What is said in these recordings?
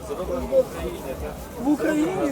В Україні?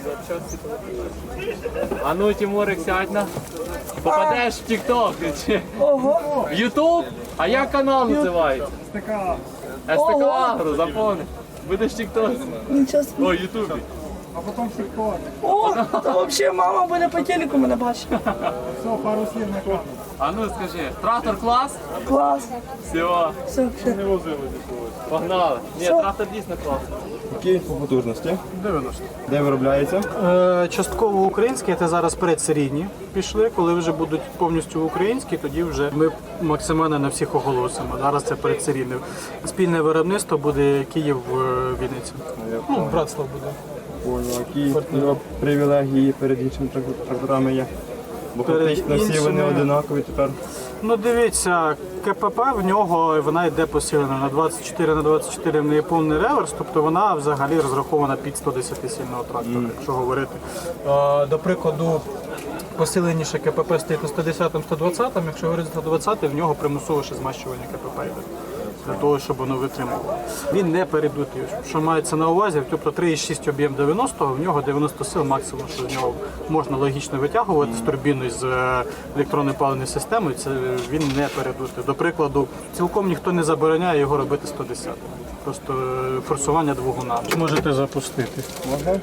А ну, Тимурик, сядь на. Попадеш в TikTok чи Ого. в YouTube? А як канал називається? СТК. СТК Агро, запомни. Будеш в TikTok. Нічого собі. О, Ютубі. А потім ТикТок. О, то взагалі мама буде по телеку мене бачить. Все, пару слів на камеру. А ну скажи, трактор клас? Клас. Все, Все, все. погнали. Ні, трактор дійсно клас. Які по потужності? 90. Де виробляється? Частково українські, це зараз предсерійні пішли. Коли вже будуть повністю українські, тоді вже ми максимально на всіх оголосимо. Зараз це предсерійне. Спільне виробництво буде Київ-Вінниця. Ну, братство буде. Понял. Які його привілегії перед іншими тракторами є? Бо Перед фактично всі вони іншими- одинакові тепер. Ну дивіться, КПП в нього вона йде посилена на 24 на 24 в неї повний реверс, тобто вона взагалі розрахована під 110-сильного трактора, якщо говорити. До прикладу, посиленіше КПП стоїть на 110-120, якщо говорити 120, в нього примусове ще змащування КПП йде. Для того, щоб воно витримувало. Він не передутий. Що мається на увазі, тобто 3,6 об'єм 90-го, в нього 90 сил максимум, що з нього можна логічно витягувати з турбіною, з електронною паливною системою, це він не передутий. До прикладу, цілком ніхто не забороняє його робити 110. Просто форсування двигуна. Можете запустити. Можна?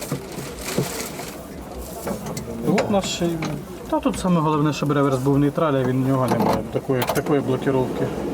От наш. Та тут саме головне, щоб реверс був нейтраль, а він в нього немає такої блокировки.